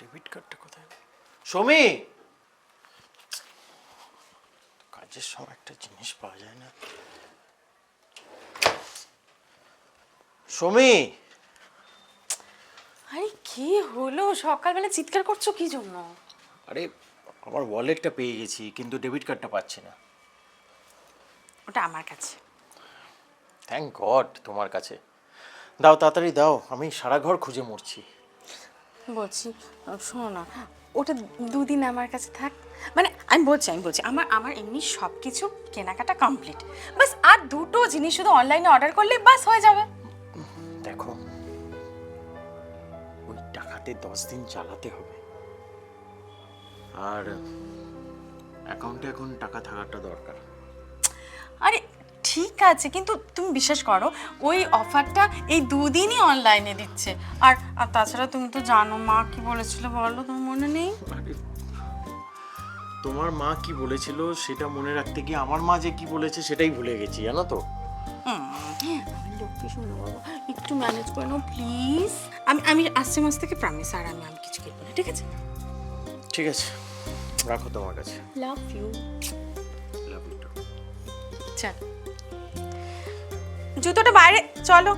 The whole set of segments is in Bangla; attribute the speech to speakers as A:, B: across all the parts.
A: ডেবিট কার্ডটা কোথায়? সমী, কাজের সময় একটা জিনিস পাওয়া যায় না। সমী,
B: আরে কি হলো, সকালবেলা চিৎকার করছো কি জন্য?
A: আরে আমার ওয়ালেটটা পেয়ে গেছি, কিন্তু ডেবিট কার্ডটা পাচ্ছি না।
B: ওটা আমার কাছে।
A: থ্যাংক গড তোমার কাছে। দাও, তাড়াতাড়ি দাও, আমি সারা ঘর খুঁজে মরছি।
B: বলছি, শোনো না, ওটা দুদিন আমার কাছে থাক। মানে আমি বলছি আমার আমার এমনি সব কিছু কেনাকাটা কমপ্লিট। বাস আর দুটো জিনিস শুধু অনলাইনে অর্ডার করলে বাস হয়ে যাবে।
A: দেখো, ওই টাকাতে 10 দিন চালাতে হবে, আর অ্যাকাউন্টে এখন টাকা থাকাটা দরকার।
B: আরে ঠিক আছে, কিন্তু তুমি বিশ্বাস করো, ওই অফারটা এই দুদিনই অনলাইনে দিচ্ছে। আর আর তাছাড়া তুমি তো জানো মা কি বলেছিল, বলো তোমার মনে নেই?
A: আরে, তোমার মা কি বলেছিল সেটা মনে রাখতে গিয়ে আমার মা যে কি বলেছে সেটাই ভুলে গেছি, জানো তো।
B: আমি লক্ষ্মী শোনো বাবা, একটু ম্যানেজ করে নাও প্লিজ। আমি আমি আসছে মাস থেকে প্রমিস, আর আমি আমি কিছু কিনবো না, ঠিক আছে?
A: ঠিক আছে, রাখো তোমার কাছে।
B: Love you.
A: Love you too.
B: চল, জুতোটা বাইরে, চলো।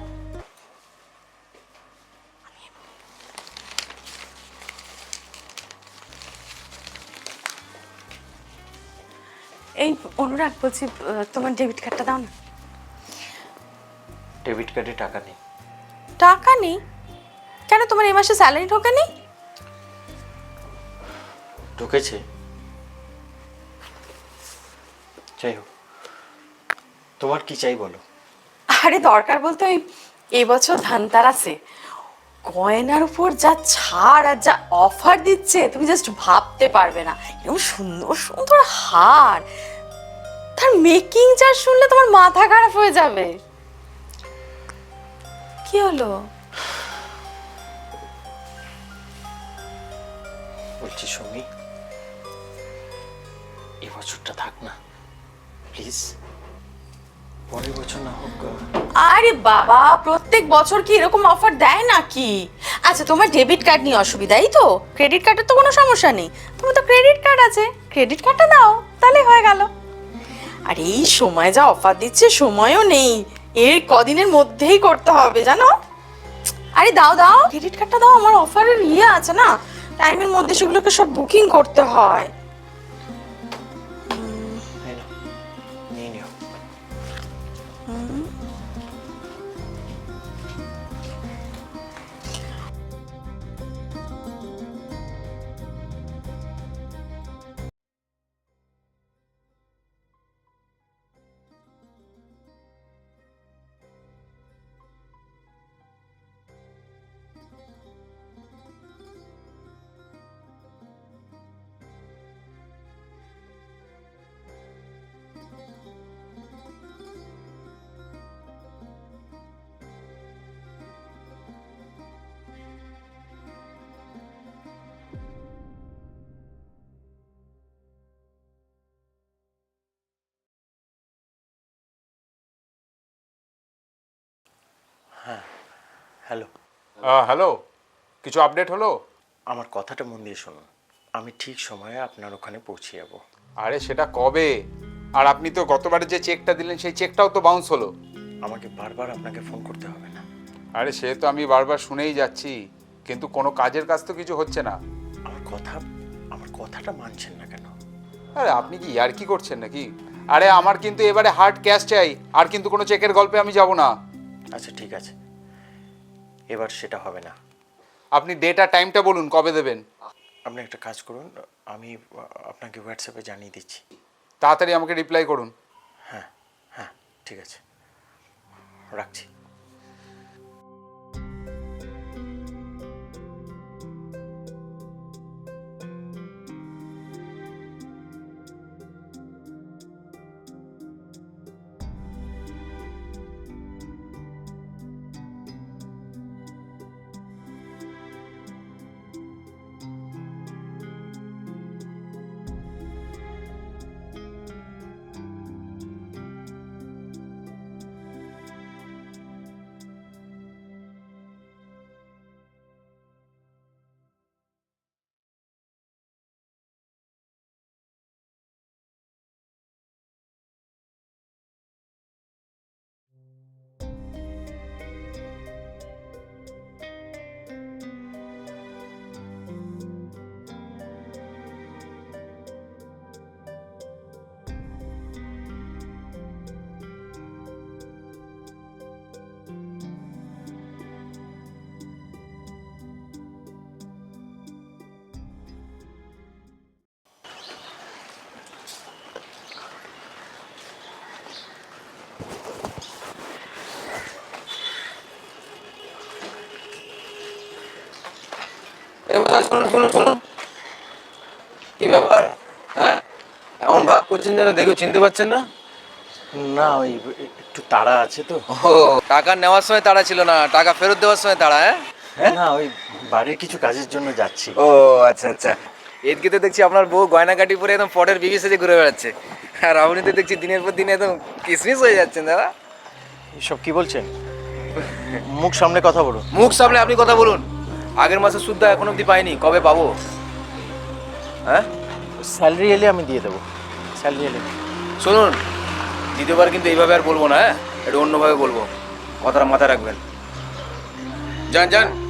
B: এই অনুরাগ বলছি, তোমার ডেবিট কার্ডটা দাও না।
A: ডেবিট কার্ডে টাকা নেই।
B: টাকা নেই? কেন, তোমার এই মাসে স্যালারি ঢোকেনি?
A: ঢুকেছে, যাই হোক, তোমার কি চাই বলো।
B: আরে দরকার বলতে ওই এই বছর ধানতেরাসে গয়নার উপর যা ছাড় আর যা অফার দিচ্ছে তুমি জাস্ট ভাবতে পারবে না। এরকম সুন্দর সুন্দর হার, তার মেকিং চার্জ শুনলে তোমার মাথা খারাপ হয়ে যাবে। কি হলো?
A: বলছি সমী, এই বছরটা থাক না প্লিজ, পরের বছর না হোক।
B: আরে বাবা, প্রত্যেক বছর কি এরকম অফার দেয় নাকি? আচ্ছা, তোমার ডেবিট কার্ড নিয়ে অসুবিধাই তো, ক্রেডিট কার্ডের তো কোনো সমস্যা নেই। তোমার তো ক্রেডিট কার্ড আছে, ক্রেডিট কার্ডটা দাও, তাহলে হয়ে গেল। আর এই সময় যা অফার দিচ্ছে, সময়ও নেই, এর কদিনের মধ্যেই করতে হবে জানো। আরে দাও দাও, ক্রেডিট কার্ডটা দাও, আমার অফারের ইয়ে আছে না, টাইমের মধ্যে সেগুলোকে সব বুকিং করতে হয়।
A: এই নাও, নিয়ে নিও। হ্যালো,
C: হ্যালো, কিছু আপডেট হলো?
A: আমার কথাটা মন দিয়ে শুনুন, আমি ঠিক সময়ে আপনার ওখানে পৌঁছে যাব।
C: আরে সেটা কবে? আর আপনি তো গতবারে যে চেকটা দিলেন সেই চেকটাও তো বাউন্স হলো।
A: আমাকে বারবার আপনাকে ফোন করতে হবে না।
C: আরে সে তো আমি বারবার শুনেই যাচ্ছি, কিন্তু কোনো কাজের কাজ তো কিছু হচ্ছে না।
A: আমার কথাটা মানছেন না কেন?
C: আরে আপনি কি ইয়ার্কি করছেন নাকি? আরে আমার কিন্তু এবারে হার্ড ক্যাশ চাই, আর কিন্তু কোনো চেকের গল্পে আমি যাব না।
A: আচ্ছা ঠিক আছে, এবার সেটা হবে না।
C: আপনি ডেট আর টাইমটা বলুন কবে দেবেন।
A: আপনি একটা কাজ করুন, আমি আপনাকে হোয়াটসঅ্যাপে জানিয়ে দিচ্ছি।
C: তাড়াতাড়ি আমাকে রিপ্লাই করুন।
A: হ্যাঁ হ্যাঁ, ঠিক আছে, রাখছি।
D: শুনুন শুনুন শুনুন, কি ব্যাপার? হ্যাঁ, এমন ভাব করছেন যেন দেখে চিনতে পারছেন না।
A: না ওই একটু তাড়া আছে তো।
D: ও, টাকা নেওয়ার সময় তাড়া ছিল না, টাকা ফেরত দেওয়ার সময় তাড়া? হ্যাঁ,
A: না ওই বাড়ির কিছু কাজের জন্য যাচ্ছি।
D: ও আচ্ছা আচ্ছা। এদিকে তো দেখছি আপনার বউ গয়নাগাটি পরে একদম পটের বিবি সেজে ঘুরে বেড়াচ্ছে, আর আপনি তো দেখছি দিনের পর দিন একদম কিসমিস হয়ে যাচ্ছেন দাদা।
A: এসব কি বলছেন? মুখ সামনে কথা বলুন।
D: মুখ সামলে আপনি কথা বলুন। আগের মাসে সুদ্ধ এখন অবধি পাইনি, কবে পাবো? হ্যাঁ,
A: স্যালারি এলে আমি দিয়ে দেবো, স্যালারি এলে।
D: শুনুন, দ্বিতীয়বার কিন্তু এইভাবে আর বলবো না, হ্যাঁ, একটু অন্যভাবে বলবো, কথাটা মাথায় রাখবেন। যান যান।